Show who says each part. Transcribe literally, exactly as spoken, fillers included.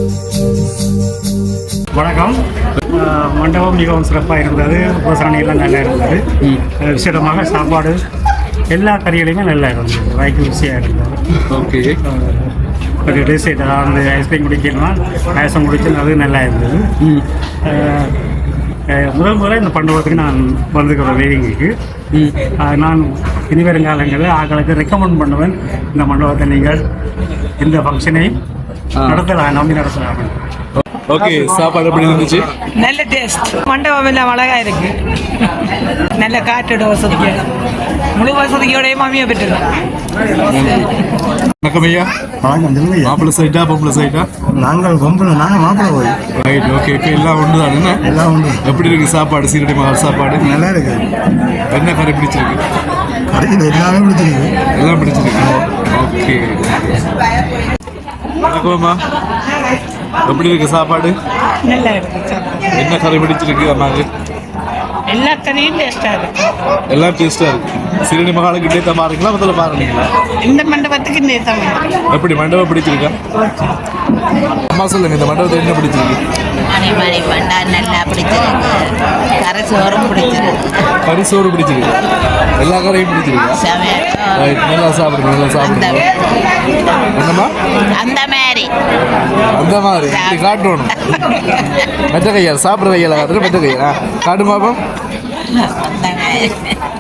Speaker 1: வணக்கம். மண்டபம் மிகவும் சிறப்பாக இருந்தது. உபசரணையெல்லாம் நல்லா இருந்தது. விசேடமாக சாப்பாடு எல்லா கறிகளையுமே நல்லா இருந்தது. வாய்க்கு ருசியாக இருந்தது.
Speaker 2: ஓகே.
Speaker 1: ஒரு டெசர்ட் அந்த ஐஸ்கிரீம் குடிக்கணும்னா பாயசம் குடிச்சு அது நல்லா இருந்தது. முதல் முறை இந்த மண்டபத்துக்கு நான் வந்துக்கிற வேலைங்களுக்கு நான் இனி வருங்காலங்களில் ஆக்களுக்கு ரெக்கமெண்ட் பண்ணுவேன். இந்த மண்டபத்தை நீங்கள் இந்த ஃபங்க்ஷனை நடத்தலாம், நம்பி நடத்தலாம்.
Speaker 2: ஓகே, சாப்பாடு எப்படி இருந்துச்சு?
Speaker 3: நல்ல டேஸ்ட். மண்டபம் எல்லாம் அழகா இருக்கு. நல்ல காற்றோட வசதிக்கு முழு வசதியோடய மாமியை பெற்றிருக்கோம்.
Speaker 2: வணக்கம் ஐயா.
Speaker 4: வணக்கம். சொல்லுங்க.
Speaker 2: மாப்பிள்ளை சைட்டா பொம்பளை சைட்டா?
Speaker 4: நாங்கள் பொம்பளை, நாங்கள் மாப்பிள்ளை போய்.
Speaker 2: ரைட். ஓகே ஓகே, எல்லாம் ஒன்று தானே?
Speaker 4: எல்லாம் உண்டு.
Speaker 2: எப்படி இருக்கு சாப்பாடு? சீரடி மகால் சாப்பாடு
Speaker 4: நல்லா இருக்கு.
Speaker 2: என்ன கறி பிடிச்சிருக்கு?
Speaker 4: கடையில் எல்லாமே பிடிச்சிருக்கு.
Speaker 2: எல்லாம் பிடிச்சிருக்கு. ஓகே. வணக்கம்மா. எப்படி இருக்கு சாப்பாடு?
Speaker 3: நல்லா இருக்கு.
Speaker 2: என்ன கறி பிடிச்சிருக்கு அம்மாவுக்கு?
Speaker 3: எல்லா கறியும் டேஸ்டா இருக்கு.
Speaker 2: எல்லாம் டேஸ்டா இருக்கு. சீரடி மகாலுக்கு டேட்டா பாருங்களா, முதல்ல பாருங்களா?
Speaker 3: இந்த மண்டபத்துக்கு நேசம்
Speaker 2: எப்படி மண்டபம் பிடிச்சிருக்கா? அம்மா சொல்லுங்க, இந்த மண்டபத்தை என்ன பிடிச்சிருக்கு?
Speaker 5: மணி மணி பண்டா நல்லா பிடிச்சிருக்கு. கரை சோறும் பிடிச்சிருக்கு.
Speaker 2: கறி சோறு பிடிச்சிருக்கு. எல்லா கரையும் பிடிச்சிருக்கா? ரைட். நல்லா சாப்பிடுங்க, நல்லா சாப்பிடுங்க. என்னம்மா?
Speaker 5: அந்த மாதிரி
Speaker 2: அந்த மாதிரி இப்படி காட்டணும். மெட்ட கையால் சாப்பிட்ற கையால் காட்டுற மெட்ட கையா காட்டு மாப்போம்.
Speaker 5: அந்த மாதிரி